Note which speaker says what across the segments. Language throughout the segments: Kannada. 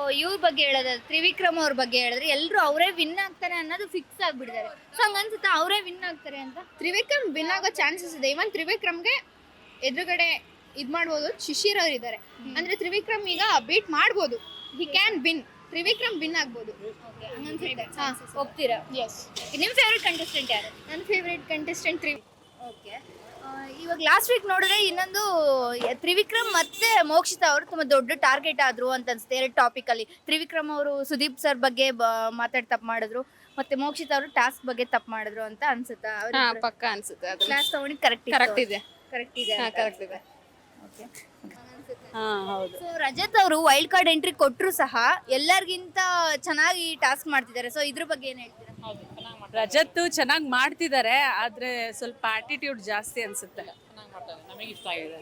Speaker 1: ಇವ್ರ ಬಗ್ಗೆ ಹೇಳೋದಾದ್ರೆ ತ್ರಿವಿಕ್ರಮ್ ಅವ್ರ ಬಗ್ಗೆ ಹೇಳಿದ್ರೆ ಎಲ್ಲರೂ ಅವರೇ ವಿನ್ ಆಗ್ತಾರೆ ಅನ್ನೋದು ಫಿಕ್ಸ್ ಆಗ್ಬಿಟ್ಟಿದ್ದಾರೆ. ಸೊ ಹಂಗನ್ಸುತ್ತಾ ಅವರೇ ವಿನ್ ಆಗ್ತಾರೆ ಅಂತ?
Speaker 2: ತ್ರಿವಿಕ್ರಮ್ ವಿನ್ ಆಗೋ ಚಾನ್ಸಸ್ ಇದೆ. ಇವನ್ ತ್ರಿವಿಕ್ರಮ್ಗೆ ಎದುರುಗಡೆ ಇದ್ ಮಾಡ್ಬೋದು, ಶಿಶಿರ್ ಅವ್ರು ಇದ್ದಾರೆ. ಅಂದ್ರೆ ತ್ರಿವಿಕ್ರಮ್ ಈಗ ಬೀಟ್ ಮಾಡ್ಬೋದು, he can win. Trivikram win ಆಗ್ಬೋದು.
Speaker 1: ಹೋಗ್ತೀರಾ?
Speaker 2: ಎಸ್.
Speaker 1: ನಿಮ್ಮ ಫೇವ್ರೆಟ್ ಕಂಟೆಸ್ಟೆಂಟ್ ಯಾರು?
Speaker 2: ನನ್ನ ಫೇವ್ರೆಟ್ ಕಂಟೆಸ್ಟೆಂಟ್
Speaker 1: ಓಕೆ. ಇವಾಗ ಲಾಸ್ಟ್ ವೀಕ್ ನೋಡಿದ್ರೆ ಇನ್ನೊಂದು ತ್ರಿವಿಕ್ರಮ್ ಮತ್ತೆ ಮೋಕ್ಷಿತಾ ಅವರು ತುಂಬಾ ದೊಡ್ಡ ಟಾರ್ಗೆಟ್ ಆದ್ರು ಅಂತ ಅನ್ಸುತ್ತೆ. ಎರಡು ಟಾಪಿಕ್ ಅಲ್ಲಿ ತ್ರಿವಿಕ್ರಮ್ ಅವರು ಸುದೀಪ್ ಸರ್ ಬಗ್ಗೆ ಮಾತಾಡಿ ತಪ್ಪು ಮಾಡಿದ್ರು, ಮತ್ತೆ ಮೋಕ್ಷಿತಾ ಅವರು ಟಾಸ್ಕ್ ಬಗ್ಗೆ ತಪ್ಪು ಮಾಡಿದ್ರು ಅಂತ ಅನ್ಸುತ್ತಾ?
Speaker 2: ಪಕ್ಕ ಅನ್ಸುತ್ತೆ.
Speaker 1: ಕ್ಲಾಸ್ ತಗೊಂಡು ಕರೆಕ್ಟ್
Speaker 2: ಇದೆ.
Speaker 1: ಕರೆಕ್ಟ್ ಇದೆ. ಓಕೆ.
Speaker 3: ಹೌದು.
Speaker 1: ಸೊ ರಜತ್ ಅವರು ವೈಲ್ಡ್ ಕಾರ್ಡ್ ಎಂಟ್ರಿ ಕೊಟ್ಟರು ಸಹ ಎಲ್ಲರಿಗಿಂತ ಚೆನ್ನಾಗಿ ಟಾಸ್ಕ್ ಮಾಡ್ತಿದ್ದಾರೆ. ಸೊ ಇದ್ರ ಬಗ್ಗೆ ಏನ್ ಹೇಳ್ತೀರಾ?
Speaker 3: ರಜತ್ ಚೆನ್ನಾಗಿ ಮಾಡ್ತಿದ್ದಾರೆ, ಆದ್ರೆ ಸ್ವಲ್ಪ ಆಟಿಟ್ಯೂಡ್ ಜಾಸ್ತಿ ಅನ್ಸುತ್ತೆ.
Speaker 1: ನಮ್ಗೆ ಇಷ್ಟ ಆಗಿದೆ.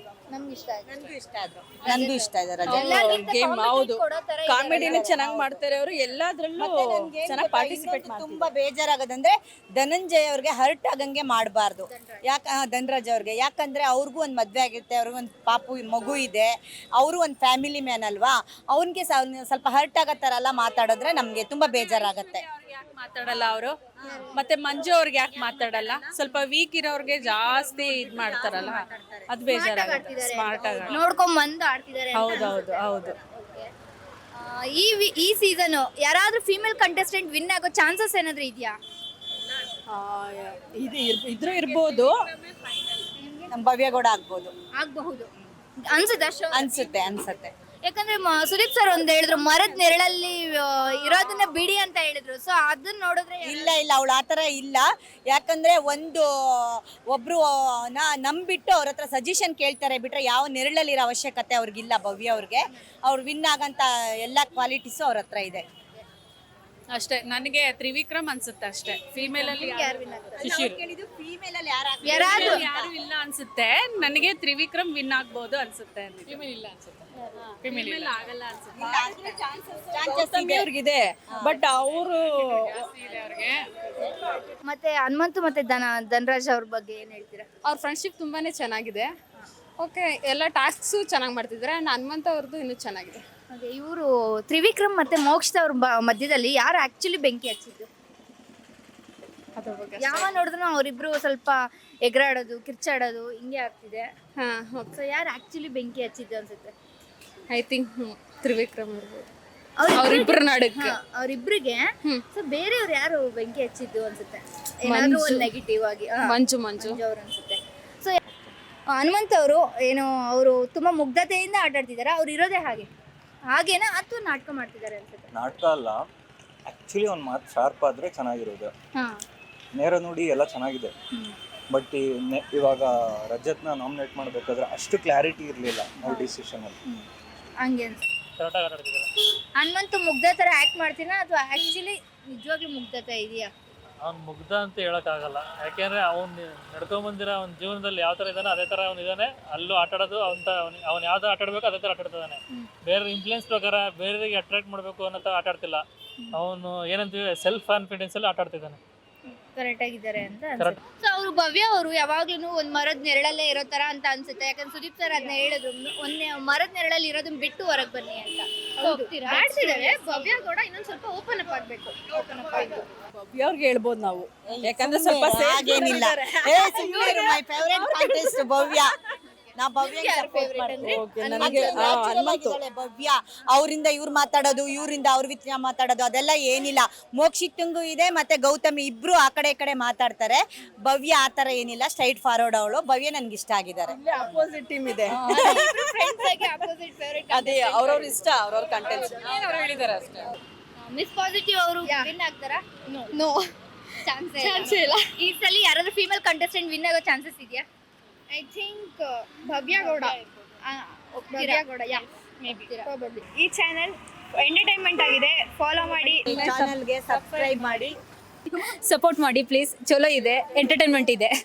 Speaker 3: ನಂಗೂ ಇಷ್ಟ ಇದೆ ರಜತ್
Speaker 1: ಎಲ್ಲರಿಗಿಂತ
Speaker 3: ಗೇಮ್.
Speaker 1: competitive
Speaker 3: ಹೌದು,
Speaker 1: ಕೊಡೋ ತರ ಇದ್ದಾರೆ.
Speaker 3: ಕಾಮಿಡಿನ ಚೆನ್ನಾಗಿ ಮಾಡ್ತಾರೆ ಅವರು. ಎಲ್ಲಾದ್ರಲ್ಲೂ ಚೆನ್ನಾಗಿ ಪಾರ್ಟಿಸಿಪೇಟ್ ಮಾಡ್ತಾರೆ.
Speaker 4: ತುಂಬಾ ಬೇಜಾರಾಗೋದಂದ್ರೆ ಧನಂಜಯ್ ಅವ್ರಿಗೆ ಹರ್ಟ್ ಆಗಂಗೆ ಮಾಡಬಾರ್ದು. ಧನರಾಜ್ ಅವ್ರಿಗೆ, ಯಾಕಂದ್ರೆ ಅವ್ರಿಗೂ ಒಂದು ಮದ್ವೆ ಆಗಿರುತ್ತೆ, ಅವ್ರಿಗೂ ಒಂದು ಪಾಪು ಮಗು ಇದೆ, ಅವರು ಒಂದು ಫ್ಯಾಮಿಲಿ ಮ್ಯಾನ್ ಅಲ್ವಾ. ಅವ್ನಿಗೆ ಸ್ವಲ್ಪ ಹರ್ಟ್ ಆಗೋ ಥರ ಎಲ್ಲ ಮಾತಾಡಿದ್ರೆ ನಮ್ಗೆ ತುಂಬಾ ಬೇಜಾರಾಗತ್ತೆ.
Speaker 3: ಯಾಕೆ ಮಾತಾಡಲ್ಲ ಅವರು? ಮತ್ತೆ ಮಂಜು ಅವ್ರಿಗೆ ಯಾಕೆ ಮಾತಾಡಲ್ಲ? ಸ್ವಲ್ಪ ವೀಕ್ ಇರೋರ್ಗೆ ಜಾಸ್ತಿ ಇದ್ ಮಾಡ್ತಾರಲ್ಲ, ಅದು ಬೇಜಾರಾಗುತ್ತೆ. ಸ್ಮಾರ್ಟ್ ಆಗಿ
Speaker 1: ನೋಡ್ಕೊಂಡ್ ಬಂದು ಆಡ್ತಿದ್ದಾರೆ ಅಂತ
Speaker 3: ಹೌದೌದು ಹೌದು.
Speaker 1: ಈ ಸೀಸನ್ ಯಾರಾದ್ರೂ ಫೀಮೇಲ್ ಕಂಟೆಸ್ಟೆಂಟ್ ವಿನ್ ಆಗೋ ಚಾನ್ಸಸ್ ಏನಾದ್ರೂ ಇದೆಯಾ?
Speaker 3: ಇದ್ರೂ ಇರ್ಬೋದು.
Speaker 4: ನಮ್ಮ ಭವ್ಯಗೌಡ ಆಗ್ಬೋದು
Speaker 1: ಆಗಬಹುದು ಅನ್ಸುತ್ತಾ?
Speaker 4: ಅನ್ಸುತ್ತೆ.
Speaker 1: ಯಾಕಂದ್ರೆ ಸುದೀಪ್ ಸರ್ ಒಂದ್ ಹೇಳಿದ್ರು, ಮರದ ನೆರಳಲ್ಲಿ ಇರೋದನ್ನ ಬಿಡಿ ಅಂತ ಹೇಳಿದ್ರು. ಸೊ ಅದನ್ನ ನೋಡಿದ್ರೆ
Speaker 4: ಇಲ್ಲ ಅವಳು ಆತರ ಇಲ್ಲ. ಯಾಕಂದ್ರೆ ಒಬ್ರು ನಂಬಿಟ್ಟು ಅವ್ರ ಹತ್ರ ಸಜೆಷನ್ ಕೇಳ್ತಾರೆ ಬಿಟ್ರೆ ಯಾವ ನೆರಳಲ್ಲಿರೋ ಅವಶ್ಯಕತೆ ಅವ್ರಿಗಿಲ್ಲ. ಭವ್ಯ ಅವ್ರಿಗೆ ಅವ್ರು ವಿನ್ ಆಗಂತ ಎಲ್ಲಾ ಕ್ವಾಲಿಟೀಸು ಅವ್ರ ಹತ್ರ ಇದೆ
Speaker 3: ಅಷ್ಟೇ. ನನಗೆ ತ್ರಿವಿಕ್ರಮ್ ಅನ್ಸುತ್ತೆ ಅಷ್ಟೇ. ಫೀಮೇಲ್ ಅಲ್ಲಿ
Speaker 4: ಫೀಮೇಲ್ ಅಲ್ಲಿ
Speaker 3: ಯಾರು ಇಲ್ಲ ಅನ್ಸುತ್ತೆ. ನನಗೆ ತ್ರಿವಿಕ್ರಮ್ ವಿನ್ ಆಗ್ಬೋದು ಅನ್ಸುತ್ತೆ. ಫೀಮೇಲ್ ಆಗಲ್ಲ ಅನ್ಸುತ್ತೆ. ಅವ್ರಿಗಿದೆ, ಬಟ್ ಅವರು
Speaker 1: ಮತ್ತೆ ಹನುಮಂತು ಮತ್ತೆ ಧನರಾಜ್ ಅವ್ರ ಬಗ್ಗೆ ಏನ್ ಹೇಳ್ತೀರಾ?
Speaker 2: ಅವ್ರ ಫ್ರೆಂಡ್ಶಿಪ್ ತುಂಬಾನೇ ಚೆನ್ನಾಗಿದೆ. ಓಕೆ, ಎಲ್ಲ ಟಾಸ್ಕ್ಸು ಚೆನ್ನಾಗಿ ಮಾಡ್ತಿದ್ದಾರೆ. ಆ್ಯಂಡ್ ಹನುಮಂತ ಅವ್ರದ್ದು ಇನ್ನೂ ಚೆನ್ನಾಗಿದೆ.
Speaker 1: ಹಾಗೆ ಇವರು ತ್ರಿವಿಕ್ರಮ್ ಮತ್ತೆ ಮೋಕ್ಷಿತಾ ಅವ್ರ ಮಧ್ಯದಲ್ಲಿ ಯಾರು ಆಕ್ಚುಲಿ ಬೆಂಕಿ ಹಚ್ಚಿದ್ದು?
Speaker 2: ಅದ್ರ ಬಗ್ಗೆ
Speaker 1: ಯಾವ ನೋಡಿದ್ರು ಅವರಿಬ್ರು ಸ್ವಲ್ಪ ಎಗರಾಡೋದು, ಕಿರ್ಚಾಡೋದು ಹಿಂಗೆ ಆಗ್ತಿದೆ. ಸೊ ಯಾರು ಆಕ್ಚುಲಿ ಬೆಂಕಿ ಹಚ್ಚಿದ್ದು ಅನ್ಸುತ್ತೆ?
Speaker 2: ಐ ಥಿಂಕ್ ತ್ರಿವಿಕ್ರಮ್ ಇರ್ಬೋದು. ಅವ್ರಿಬ್ರು ನಡುಕ್ಕೆ
Speaker 1: ಅವ್ರಿಬ್ರಿಗೆ. ಸೊ ಬೇರೆಯವ್ರು ಯಾರು ಬೆಂಕಿ ಹಚ್ಚಿದ್ದು ಅನ್ಸುತ್ತೆ? ಏನಾದ್ರೂ ಒಂದು ನೆಗೆಟಿವ್ ಆಗಿ
Speaker 2: ಮಂಜು
Speaker 1: ಅವ್ರು ಅನ್ಸುತ್ತೆ. ಸೊ ಹನುಮಂತ್ ಅವರು ಅವರು ತುಂಬಾ ಮುಗ್ಧತೆಯಿಂದ ಆಟಾಡ್ತಿದ್ದಾರೆ. ಅವ್ರು ಇರೋದೇ ಹಾಗೇನಾ ಅಥವಾ ನಾಟಕ ಮಾಡ್ತಿದ್ದಾರೆ ಅನ್ಸುತ್ತೆ?
Speaker 5: ನಾಟಕ ಅಲ್ಲ, ಆಕ್ಚುಲಿ ಒಂದು ಮಾತು ಶಾರ್ಪ್ ಆದ್ರೆ ಚೆನ್ನಾಗಿರೋದು. ನೇರ ನೋಡಿ ಎಲ್ಲ ಚೆನ್ನಾಗಿದೆ, ಬಟ್ ಇವಾಗ ರಜತ್ನ ನಾಮಿನೇಟ್ ಮಾಡಬೇಕಾದ್ರೆ ಅಷ್ಟು ಕ್ಲಾರಿಟಿ ಇರಲಿಲ್ಲ ಅವ್ರ ಡಿಸಿಷನ್ ಅಲ್ಲಿ.
Speaker 1: ಹಂಗೆ ಹನುಮಂತು ಮುಗ್ಧ ತರ ಆಕ್ಟ್ ಮಾಡ್ತೀನಾ ಅಥವಾ ಆಕ್ಚುಲಿ ನಿಜವಾಗ್ಲೂ ಮುಗ್ಧತೆ ಇದೆಯಾ?
Speaker 6: ಅವ್ನು ಮುಗ್ಧ ಅಂತ ಹೇಳೋಕ್ಕಾಗಲ್ಲ. ಯಾಕೆಂದ್ರೆ ಅವ್ನು ನಡ್ಕೊಂಬಂದಿರೋ ಅವ್ನ ಜೀವನದಲ್ಲಿ ಯಾವ ಥರ ಇದ್ದಾನೆ ಅದೇ ಥರ ಅವ್ನು ಇದ್ದಾನೆ. ಅಲ್ಲೂ ಆಟಾಡೋದು ಅವ್ನು ಯಾವ್ದು ಆಟಾಡಬೇಕು ಅದೇ ಥರ ಆಟಾಡ್ತಿದ್ದಾನೆ. ಬೇರೆ ಇನ್ಫ್ಲೂಯೆನ್ಸ್ ಪ್ರಕಾರ ಬೇರೆಯವರಿಗೆ ಅಟ್ರಾಕ್ಟ್ ಮಾಡಬೇಕು ಅನ್ನೋ ಥರ ಆಟಾಡ್ತಿಲ್ಲ. ಅವನು ಏನಂತೀವಿ ಸೆಲ್ಫ್ ಕಾನ್ಫಿಡೆನ್ಸಲ್ಲಿ ಆಟಾಡ್ತಿದ್ದಾನೆ.
Speaker 1: ಕರೆಕ್ಟ್ ಆಗಿದ್ದಾರೆ ಅಂತ ಅನ್ಸುತ್ತೆ. ಸೊ ಅವರು ಭವ್ಯ ಅವರು ಯಾವಾಗ್ಲೂ ಒಂದ್ ಮರದ ನೆರಳಲ್ಲೇ ಇರೋ ತರ ಅಂತ ಅನ್ಸುತ್ತೆ. ಯಾಕಂದ್ರೆ ಸುದೀಪ್ ಸರ್ ಅದನ್ನ ಹೇಳಿದ್ರು, ಒಂದೇ ಮರದ ನೆರಳಲ್ಲಿ ಇರೋದನ್ನ ಬಿಟ್ಟು ಹೊರಗೆ ಬನ್ನಿ ಅಂತ.
Speaker 2: ಆಡ್ತಿದ್ದಾರೆ. ಭವ್ಯ ಕೂಡ ಇನ್ನೊಂದ್ ಸ್ವಲ್ಪ ಓಪನ್ ಅಪ್ ಆಗ್ಬೇಕು.
Speaker 3: ಭವ್ಯ ಅವ್ರಿಗೆ ಹೇಳ್ಬೋದು ನಾವು, ಯಾಕಂದ್ರೆ ಸ್ವಲ್ಪ
Speaker 4: ಹಾಗೇನಿಲ್ಲ. My favourite contest Bhavya. ನಾ ಭವ್ಯ ಭವ್ಯ ಅವರಿಂದ ಇವ್ರು ಮಾತಾಡೋದು, ಇವರಿಂದ ಅವ್ರ ವಿಚಾರ ಮಾತಾಡೋದು ಅದೆಲ್ಲ ಏನಿಲ್ಲ. ಮೋಕ್ಷಿತಂಗೂ ಇದೆ ಮತ್ತೆ ಗೌತಮಿ ಇಬ್ರು ಆ ಕಡೆ ಈ ಕಡೆ ಮಾತಾಡ್ತಾರೆ. ಭವ್ಯ ಆ ತರ ಏನಿಲ್ಲ, ಸ್ಟ್ರೈಟ್ ಫಾರ್ವರ್ಡ್ ಅವಳು. ಭವ್ಯ ನನ್ಗೆ ಇಷ್ಟ ಆಗಿದ್ದಾರೆ.
Speaker 3: ಅಪೋಸಿಟ್ ಟೀಮ್ ಇದೆ. ಅದೇ ಅವ್ರವ್ರ ಇಷ್ಟ, ಅವ್ರವ್ರ ಕಂಟೆಂಟ್ ಹೇಳಿದ್ದಾರೆ ಅಷ್ಟೇ.
Speaker 1: ಮಿಸ್ ಪಾಸಿಟಿವ್ ಅವರು ವಿನ್ ಆಗ್ತಾರಾ?
Speaker 2: ನೋ,
Speaker 1: ಚಾನ್ಸ್ ಇಲ್ಲ. ಈ ಸಲ ಯಾರಾದ್ರೂ ಫೀಮೇಲ್ ಕಂಟೆಸ್ಟೆಂಟ್ ವಿನ್ ಆಗೋ ಚಾನ್ಸಸ್ ಇದೆಯಾ?
Speaker 2: I think Bhavya Gowda. ಈ ಚಾನೆಲ್ ಎಂಟರ್ಟೈನ್ಮೆಂಟ್ ಆಗಿದೆ. ಫಾಲೋ ಮಾಡಿ,
Speaker 4: ಚಾನೆಲ್ಗೆ ಸಬ್ಸ್ಕ್ರೈಬ್ ಮಾಡಿ,
Speaker 7: ಸಪೋರ್ಟ್ ಮಾಡಿ ಪ್ಲೀಸ್. ಚಲೋ ಇದೆ, ಎಂಟರ್ಟೈನ್ಮೆಂಟ್ ಇದೆ.